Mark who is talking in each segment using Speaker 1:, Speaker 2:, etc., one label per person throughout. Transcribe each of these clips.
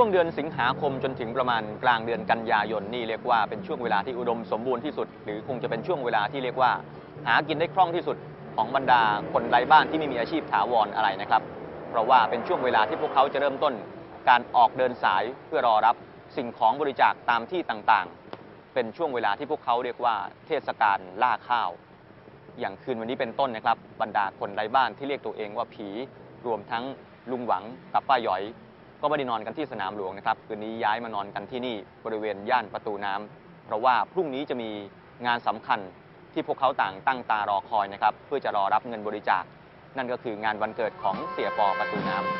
Speaker 1: งเดือนสิงหาคมจนถึงประมาณกลางเดือนกันยายนนี่เรียกว่าเป็นช่วงเวลาที่อุดมสมบูรณ์ที่สุดหรือคงจะเป็นช่วงเวลาที่เรียกว่าหากินได้คล่องที่สุดของบรรดาคนไร้บ้านที่ไม่มีอาชีพถาวรอะไรนะครับเพราะว่าเป็นช่วงเวลาที่พวกเขาจะเริ่มต้นการออกเดินสายเพื่อรอรับสิ่งของบริจาคตามที่ต่างๆเป็นช่วงเวลาที่พวกเขาเรียกว่าเทศกาลล่าข้าวอย่างคืนวันนี้เป็นต้นนะครับบรรดาคนไร้บ้านที่เรียกตัวเองว่าผีรวมทั้งลุงหวังกับป้าหยอยก็ไม่ได้นอนกันที่สนามหลวงนะครับคืนนี้ย้ายมานอนกันที่นี่บริเวณย่านประตูน้ำเพราะว่าพรุ่งนี้จะมีงานสำคัญที่พวกเขาต่างตั้งตารอคอยนะครับเพื่อจะรอรับเงินบริจาคนั่นก็คืองานวันเกิดของเสียปอประตูน้ำ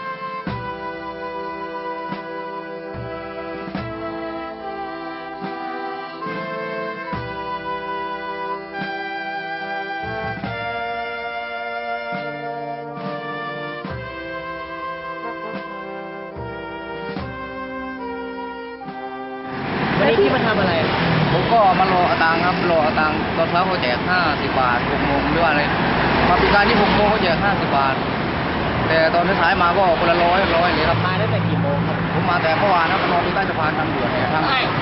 Speaker 2: วันนี้พี่มาทำอะไร
Speaker 3: ผมก็มารอเอาตังค์ครับรอเอาตังค์ตอนเช้าเขาแจก50 บาท6 โมงหรือว่าอะไรมาปีการที่6 โมงเขาแจก50 บาทแต่ตอนสายมาก็คนละ100เลยครับ
Speaker 2: มาตั้งแต่กี่โมงครับ
Speaker 3: ผมมาแต่เมื่อวานครับมานอนที่ใต้สะพานทางด่วนเนี่ยทาง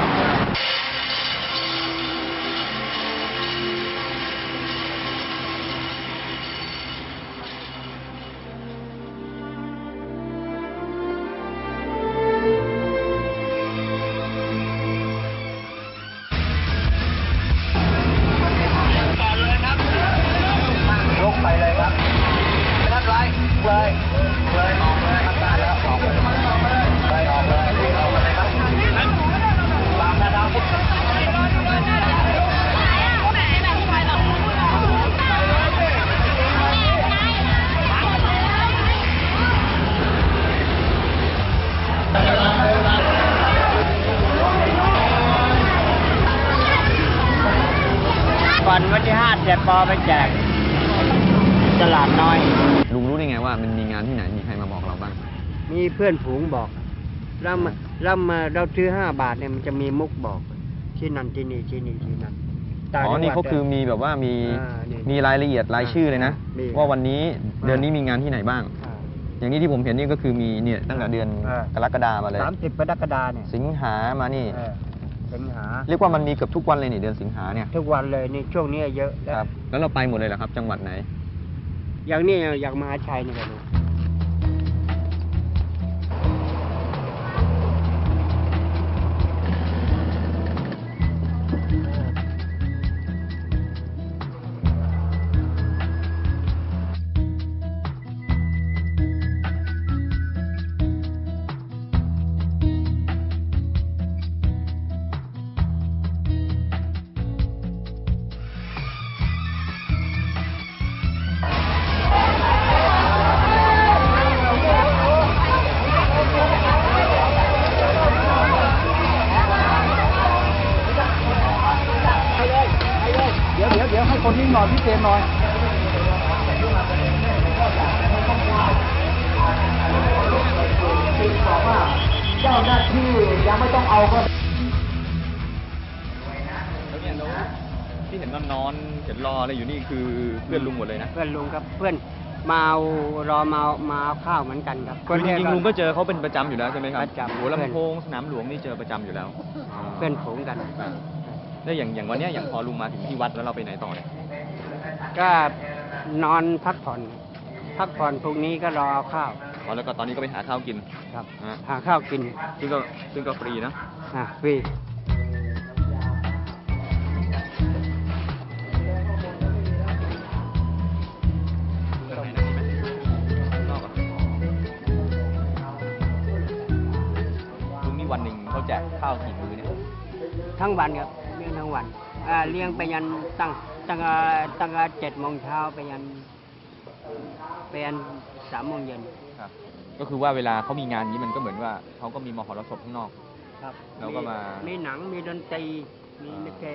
Speaker 2: ก่อนวันที่5เสียปอไปแจกตลาดน้อย
Speaker 1: ลุงรู้ได้ไงว่ามันมีงานที่ไหนมีใครมาบอกเราบ้าง
Speaker 2: มีเพื่อนฝูงบอกแล้วมาเราซื้อ5 บาทเนี่ยมันจะมีมุกบอกที่นั่นที่นี่ที่นี่ที่นั่น
Speaker 1: อ๋อนี่เขาคือมีแบบว่ามีรายละเอียดรายชื่อเลยนะว่าวันนี้เดือนนี้มีงานที่ไหนบ้างอย่างนี้ที่ผมเห็นนี่ก็คือมีเนี่ยตั้งแต่เดือนกรกฎามาเลย
Speaker 2: 30 กรกฎาเนี่ย
Speaker 1: สิงหามานี่
Speaker 2: สิงหา
Speaker 1: เรียกว่ามันมีเกือบทุกวันเลยนี่เดือนสิงหาเนี่ย
Speaker 2: ทุกวันเลยนี่ช่วงนี้เยอะ
Speaker 1: ครับแล้วเราไปหมดเลยเหรอครับจังหวัดไหน
Speaker 2: อย่างนี้อย่างมหาชัยนี่กัน
Speaker 3: เดี๋ยวให้คนนิ่งหน่อยพี่เจมหน่อยบอกว่าเจ้าหน้าที่ยังไม่ต้องเอาก็
Speaker 1: แล้วเนี่ยที่เห็นนอนเห็นรออะไรอยู่นี่คือเพื่อนลุงหมดเลยนะ
Speaker 2: เพื่อนลุงครับเพื่อนมาเอาข้าวเหมือนกันครับ
Speaker 1: จริงๆลุงก็เจอเขาเป็นประจำอยู่แล้วใช่ไหมครับ
Speaker 2: ประจำ
Speaker 1: หัวลำโพงสนามหลวงนี่เจอประจำอยู่แล้ว
Speaker 2: เพื่อนฝูงกัน
Speaker 1: แล้วอย่างวันนี้อย่างพอลุงมาถึงที่วัดแล้วเราไปไหนต่อเนี่ย
Speaker 2: ก็นอนพักผ่อนพรุ่งนี้ก็รอข้าว
Speaker 1: แล้วก็ตอนนี้ก็ไปหาข้าวกิน
Speaker 2: ครับหาข้าวกิน
Speaker 1: ซึ่งก็ฟรีนะ
Speaker 2: ฟรี
Speaker 1: ลุงนี่วันหนึ่งเขาแจกข้าวกี่มื้อเนี่ย
Speaker 2: ทั้งวันครับเลี้ยงทั้งวันเลี้ยงไปยันตั้ง7 โมงเช้าไปยัน3 โมงเย็น
Speaker 1: ครับก็คือว่าเวลาเขามีงานนี้มันก็เหมือนว่าเขาก็มีมหรสพข้างนอก
Speaker 2: ครับ
Speaker 1: เราก็
Speaker 2: มีหนังมีดนตรีมีลิเก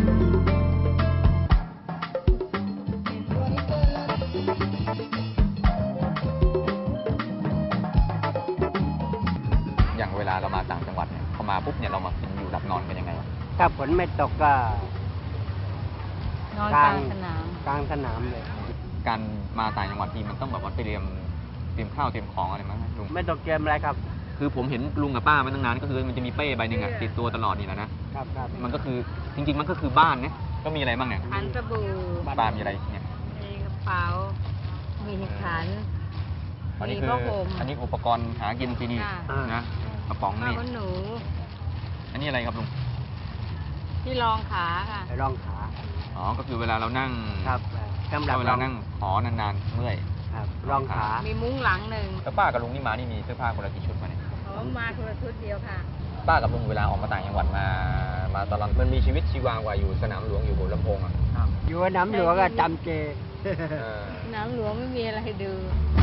Speaker 1: อย่างเวลาเรามาต่างจังหวัดเนี่ยพอมาปุ๊บเนี่ยเรามากินอยู่หลับนอนกันยังไง
Speaker 2: ถ้าฝนไม่ตกก็
Speaker 4: นอนกลางส
Speaker 2: นามเลย
Speaker 1: การมาต่างจังหวัดทีมันต้องแบบว่าเตรียมข้าวเตรียมของอะไรมั้งลุง
Speaker 2: ไม่ต้องเตรียมอะไรครับ
Speaker 1: คือผมเห็นลุงกับป้ามาตั้งนานก็คือมันจะมีเป้ใบหนึ่งอะติดตัวตลอดนี่แหละนะครับ
Speaker 2: ครับ
Speaker 1: มันก็คือจริงๆมันก็คือบ้านนะก็มีอะไรบ้างเนี่ย
Speaker 4: ขันสบู่
Speaker 1: ป้ามีอะไรเนี่ย
Speaker 4: มีกระเป๋า มีขัน
Speaker 1: อันนี้
Speaker 4: มี
Speaker 1: คือ
Speaker 4: ผ้าห่ม
Speaker 1: อันนี้อุปกรณ์หากินที่นี่
Speaker 4: ค่ะ
Speaker 1: นะกระป๋อง
Speaker 4: ผ้า
Speaker 1: นี่
Speaker 4: ขนหนู
Speaker 1: อันนี้อะไรครับลุง
Speaker 4: ที่รองขาค่ะ
Speaker 2: ไปรองขา
Speaker 1: อ๋อก็คือเวลาเรานั่ง
Speaker 2: ครับสำหรับ
Speaker 1: เวลานั่งหอนานๆเมื่อย
Speaker 2: ครับรองขา
Speaker 4: มีมุ้งหลังหนึ่ง
Speaker 1: แล้วป้ากับลุงนี่มานี่มีเสื้อผ้าคนละกี่ชุดมาเนี่ย
Speaker 4: ผมมาคนละชุดเดียวค่ะ
Speaker 1: ป้ากับลุงเวลาออกมาต่างจังหวัดมาตลอดมันมีชีวิตชีวากว่าอยู่สนามหลวงอยู่หัวลำโพงอ่ะ
Speaker 2: อยู่น้ำหลวงก็จำเจ
Speaker 1: เออ
Speaker 4: น้ำหลวงไม่มีอะไรให้ดู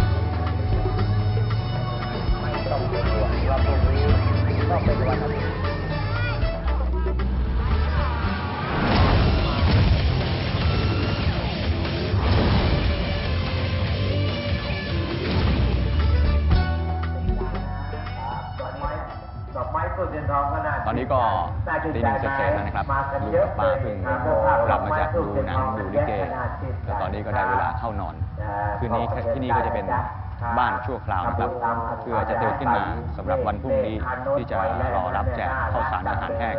Speaker 2: ไม่ต้องเป็นห่วงว่าพวกนี้ต้องเป็นวันอาทิตย์
Speaker 1: ตอนนี้ก็ตีหนึ่งเสร็จๆแล้วนะครับลุงกับป้าเพิ่งกลับมาจากดูหนังดูลิเกแล้วตอนนี้ก็ได้เวลาเข้านอน คืนนี้ที่นี่ก็จะเป็นบ้านชั่วคราวนะครับเพื่อจะตื่นขึ้นมาสำหรับวันพรุ่งนี้ที่จะรอรับแจกข้าวสารอาหารแห้ง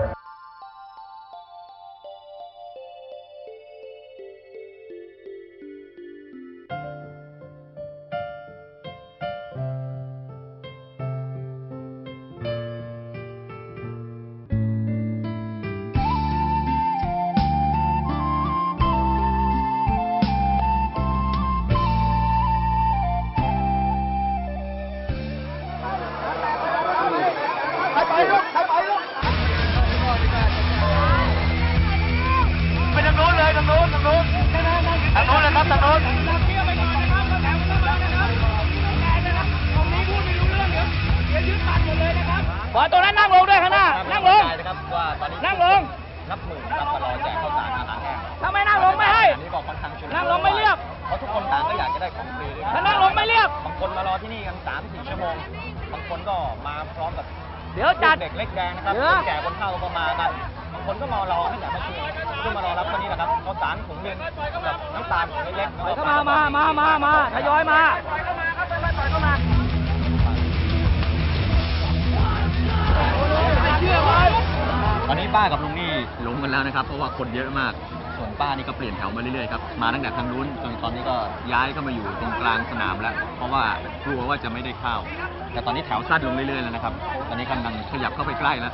Speaker 5: ขอตรงนั้นนั่งลงด้วยข้างหน้า นั่งลง
Speaker 1: นะครับว่าตอนนี้
Speaker 5: นั่งลง
Speaker 1: นับหมื่นนะครับมารอแจกข้าวสารอาหารแห้ง
Speaker 5: ถ้าไม่นั่งลงไม่ให้
Speaker 1: อันนี้ก็ค่อนข้างชุลมุ
Speaker 5: นั่งลงไม่เรียบ
Speaker 1: เพราะทุกคนต่างก็อยากจะได้ของฟรีด้วย
Speaker 5: ถ้านั่งลงไม่เรียบ
Speaker 1: บางคนมารอที่นี่กัน3-4 ชั่วโมง บางคนก็มาพร้อมกับ
Speaker 5: เดี๋ยวจัด
Speaker 1: เด็กเล็กแดงนะครับ
Speaker 5: เดี๋ยว
Speaker 1: คนแก่คนเฒ่าก็มากัน บางคนก็มารอให้แต่เมื่อคืนเพื่อมารอรับวันนี้นะครับข้าวสารถุงเงินกับน้ำตาลถุงเล็กๆแล้ว
Speaker 5: ก็มาทยอยมา
Speaker 1: ตอนนี้ป้ากับลุงนี่หลงกันแล้วนะครับ เพราะว่าคนเยอะมาก ส่วนป้านี่ก็เปลี่ยนแถวมาเรื่อยๆครับ มาตั้งแต่ทางนู้นจนตอนนี้ก็ย้ายเข้ามาอยู่ตรงกลางสนามแล้ว เพราะว่ากลัวว่าจะไม่ได้เข้า แต่ตอนนี้แถวสั้นลงเรื่อยๆแล้วนะครับ ตอนนี้กำลังขยับเข้าไปใกล้แล้ว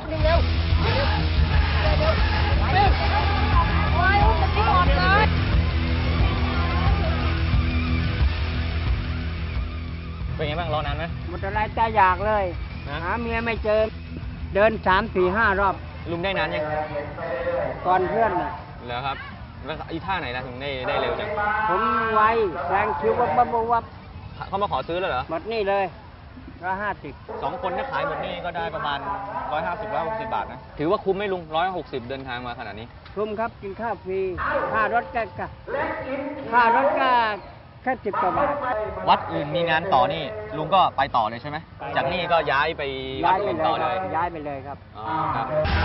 Speaker 1: เป็นไงบ้างรอนานไหม
Speaker 2: หมดอะไรใจอยากเลย
Speaker 1: นะ
Speaker 2: หาเมียไม่เจอ เดิน3-4-5 รอบ
Speaker 1: ลุงได้นานยัง
Speaker 2: ก่อนเพื่อนน่ะ
Speaker 1: เหรอครับ แล้วอีท่าไหนนะถึงได้เร็วจัง
Speaker 2: ผมไวแรงคิววับวับวับวับ
Speaker 1: เขามาขอซื้อแล้วเหรอ
Speaker 2: หมดนี่เลย150
Speaker 1: 2 คนถ้าขายหมดนี่ก็ได้ประมาณ 150-160 บาทนะ ถือว่าคุ้มไหมลุง 160 เดินทางมาขนาดนี้
Speaker 2: คุ้มครับกินข้าวฟรีค่ารถก็ค่ารถก็แค่10 กว่าบาท
Speaker 1: วัดอื่นมีงานต่อนี่ลุงก็ไปต่อเลยใช่ไหม จากนี่ก็ย้ายไปวัดอื่นต่อเลย
Speaker 2: ย้ายไปเลยครับ
Speaker 1: อ๋อครับ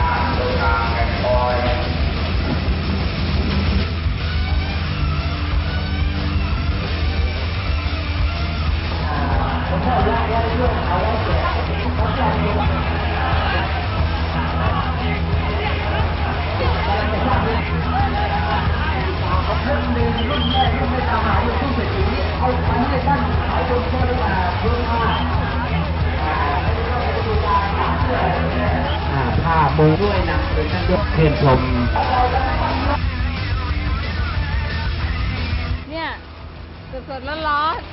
Speaker 2: ผ้าปูด้วยนะเป็นท่านยกเทียนชม
Speaker 4: เนี่ยสดๆร้อน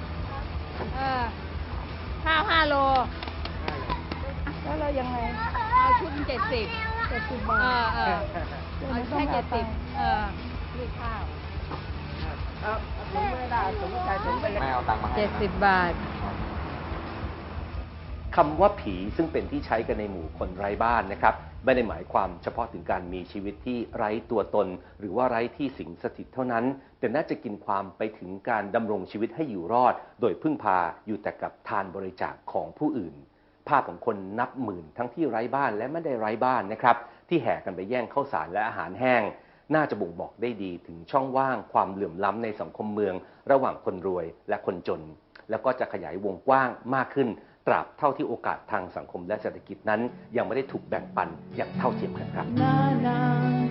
Speaker 4: ๆข้าว5 โล แล้วเรายังไง เอาชุด70 บาทเอาแค่70นี่ข้าว
Speaker 2: ถุงไม่ได้ถุงใส่ถุงไปเลย
Speaker 1: ไม่เอาตังค์มาให้
Speaker 4: 70 บาท
Speaker 6: คำว่าผีซึ่งเป็นที่ใช้กันในหมู่คนไร้บ้านนะครับไม่ได้หมายความเฉพาะถึงการมีชีวิตที่ไร้ตัวตน หรือว่าไร้ที่สิงสถิตเท่านั้น แต่น่าจะกินความไปถึงการดำรงชีวิตให้อยู่รอด โดยพึ่งพาอยู่แต่กับทานบริจาคของผู้อื่น ภาพของคนนับหมื่นทั้งที่ไร้บ้านและไม่ได้ไร้บ้านนะครับที่แห่กันไปแย่งข้าวสารและอาหารแห้ง น่าจะบ่งบอกได้ดีถึงช่องว่างความเหลื่อมล้ำในสังคมเมือง ระหว่างคนรวยและคนจน แล้วก็จะขยายวงกว้างมากขึ้นตราบเท่าที่โอกาสทางสังคมและเศรษฐกิจนั้นยังไม่ได้ถูกแบ่งปันอย่างเท่าเทียมกันครับ
Speaker 7: Na na